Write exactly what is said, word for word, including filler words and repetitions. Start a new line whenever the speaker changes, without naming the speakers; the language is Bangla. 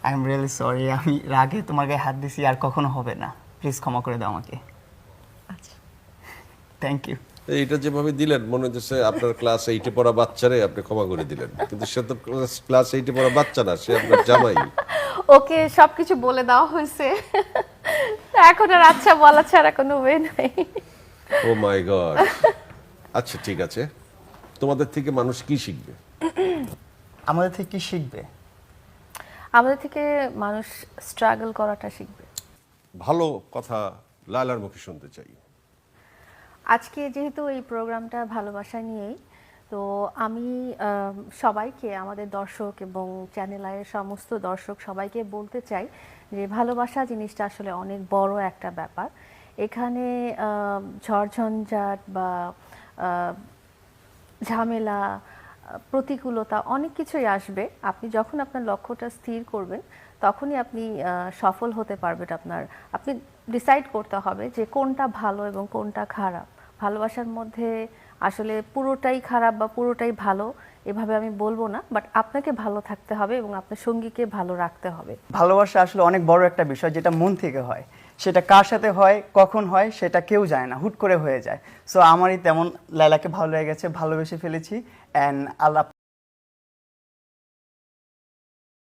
আই এম রিয়েলি সরি, আমি রাগে তোমার গায়ে হাত দিছি, আর কখনো হবে না। প্লিজ ক্ষমা করে দাও আমাকে।
আচ্ছা,
থ্যাংক ইউ।
এইটা যেভাবে দিলেন মনে হচ্ছে আপনার ক্লাস এইটে পড়া বাচ্চারে আপনি ক্ষমা করে দিলেন, কিন্তু সে তো ক্লাস এইটে পড়া বাচ্চা না, সে আপনার জামাই।
ওকে সবকিছু বলে দেওয়া হয়েছে, এখন আর আচ্ছা বলা ছাড়া কোনো ওয়ে নাই।
Oh my god. আচ্ছা ঠিক আছে, তোমাদের থেকে মানুষ কি শিখবে?
আমাদের থেকে কি শিখবে?
আমাদের থেকে মানুষ স্ট্রাগল করাটা শিখবে।
ভালো কথা লায়লার মুখে শুনতে চাই।
আজকে যেহেতু এই প্রোগ্রামটা ভালোবাসা নিয়েই, তো আমি আহ, সবাইকে, আমাদের দর্শক এবং চ্যানেল আইয়ের সমস্ত দর্শক সবাইকে বলতে চাই যে ভালোবাসা জিনিসটা আসলে অনেক বড় একটা ব্যাপার। এখানে আহ, ঝড়ঝঞ্ঝাট বা আহ, ঝামেলা, আহ, প্রতিকূলতা অনেক কিছুই আসবে। আপনি যখন আপনার লক্ষ্যটা স্থির করবেন তখনই আপনি আহ, সফল হতে পারবেন। আপনার আপনি ডিসাইড করতে হবে যে কোনটা ভালো এবং কোনটা খারাপ। ভালোবাসার মধ্যে আসলে পুরোটাই খারাপ বা পুরোটাই ভালো এভাবে আমি বলবো না, বাট আপনাকে ভালো থাকতে হবে এবং আপনার সঙ্গীকে ভালো রাখতে হবে।
ভালোবাসা আসলে অনেক বড় একটা বিষয়, যেটা মন থেকে হয়। সেটা কার সাথে হয়, কখন হয়, সেটা কেউ জানে না, হুট করে হয়ে যায়। সো আমারই তেমন লায়লাকে ভালো লেগে গেছে, ভালোবেসে ফেলেছি। অ্যান্ড আল্লাহ